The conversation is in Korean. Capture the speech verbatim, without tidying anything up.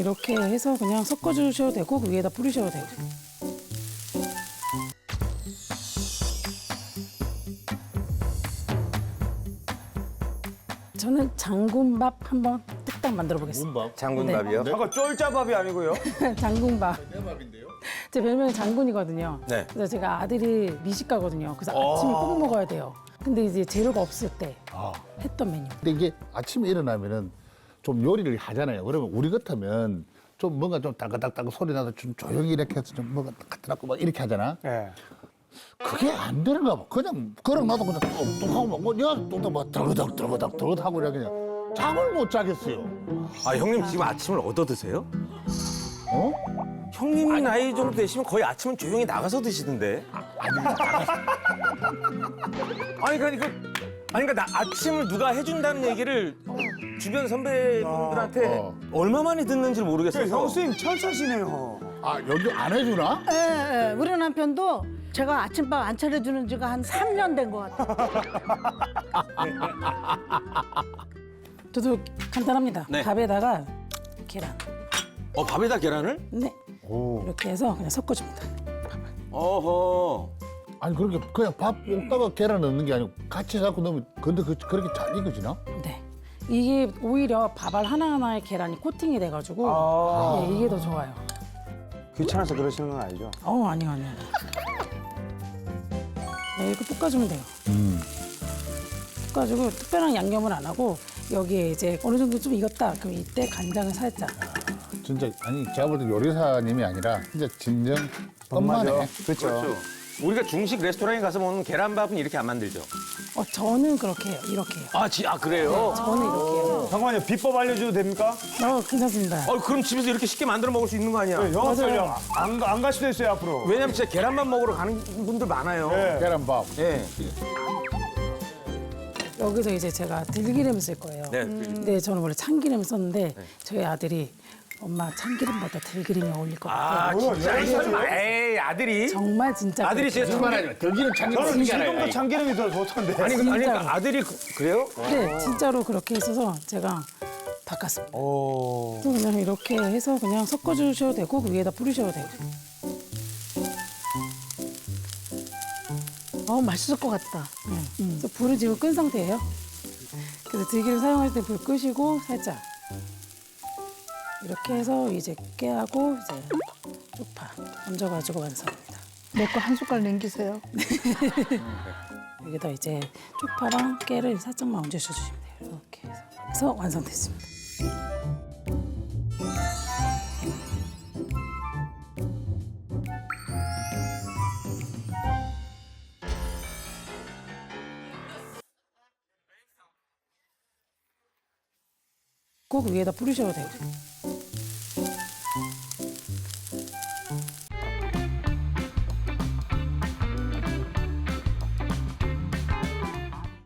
이렇게 해서 그냥 섞어주셔도 되고 그 위에다 뿌리셔도 되고. 저는 장군밥 한번 뚝딱 만들어 보겠습니다. 장군밥이요? 잠깐 쫄짜밥이 아니고요. 장군밥. 제 별명이 장군이거든요. 네. 그래서 제가 아들이 미식가거든요. 그래서 아침에 꼭 먹어야 돼요. 근데 이제 재료가 없을 때 했던 메뉴. 근데 이게 아침에 일어나면은 좀 요리를 하잖아요. 그러면 우리 같으면 좀 뭔가 좀 따가닥따가 소리 나서 좀 조용히 이렇게 해서 좀 뭔가 갖다 막 이렇게 하잖아. 예. 그게 안 되는가 봐. 그냥 그냥 나도 그냥 뚝뚝하고 막 뭐, 야, 뚝뚝 막 들그닥 들그닥 들그닥 하고 이렇게 그냥 잠을 못 자겠어요. 아 형님 지금 아침을 얻어 드세요? 어? 형님이 나이 정도 되시면 거의 아침은 조용히 나가서 드시던데. 아니 그러니까 아니 그러니까 나 아침을 누가 해준다는 얘기를 주변 선배분들한테 어. 얼마 만에 듣는지 모르겠어서. 형수님 천사시네요. 아 여기 안 해주나? 예, 예. 우리 남편도 제가 아침밥 안 차려주는 지가 한 삼 년 된 것 같아요. 저도 간단합니다. 네. 밥에다가 계란. 어 밥에다 계란을? 네. 이렇게 해서 그냥 섞어줍니다. 어허. 아니 그렇게 그냥 밥 볶다가 계란 넣는 게 아니고 같이 해갖고 넣으면 근데 그, 그렇게 잘 익어지나? 네. 이게 오히려 밥알 하나하나에 계란이 코팅이 돼가지고 아. 네, 이게 더 좋아요. 귀찮아서 그러시는 건 아니죠? 어, 아니요, 아니요. 네, 이렇게 볶아주면 돼요. 음. 볶아주고 특별한 양념을 안 하고 여기에 이제 어느 정도 좀 익었다. 그럼 이때 간장을 살짝. 진짜 아니 제가 볼 때 요리사님이 아니라 진짜 진정 엄마네. 그렇죠. 그렇죠. 우리가 중식 레스토랑에 가서 먹는 계란밥은 이렇게 안 만들죠. 어, 저는 그렇게 해요. 이렇게 해요. 아, 지, 아 그래요? 저는 이렇게 해요. 잠깐만요. 비법 알려줘도 됩니까? 어, 괜찮습니다. 어, 그럼 집에서 이렇게 쉽게 만들어 먹을 수 있는 거 아니야? 네, 영업 맞아요. 전략 안, 가- 안 갈 수도 있어요, 앞으로. 왜냐면 진짜 계란밥 먹으러 가는 분들 많아요. 네. 계란밥. 예. 여기서 이제 제가 들기름을 쓸 거예요. 네. 근데 저는 원래 참기름을 썼는데 저희 아들이 엄마 참기름보다 들기름이 어울릴 것 같아요. 아, 진짜 이 설마 에이, 아들이? 정말 진짜 아들이 그렇게 진짜 참기름 들기름 참기름 저는 쓰는 게 지금도 아니라. 참기름이 더 좋던데. 아니, 그- 아니 진짜로. 그러니까 아들이 그, 그래요? 네, 진짜로 그렇게 있어서 제가 바꿨습니다. 오. 그래서 그냥 이렇게 해서 그냥 섞어주셔도 되고 그 위에다 뿌리셔도 되고. 어, 맛있을 것 같다. 음. 그래서 불을 지금 끈 상태예요. 그래서 들기름 사용할 때 불 끄시고 살짝 이렇게 해서 이제 깨하고 이제 쪽파 얹어가지고 완성입니다. 내 거 한 숟갈 남기세요. 여기다 이제 쪽파랑 깨를 살짝만 얹어주시면 돼요. 이렇게 해서, 해서 완성됐습니다. 꼭 위에다 뿌리셔도 되고.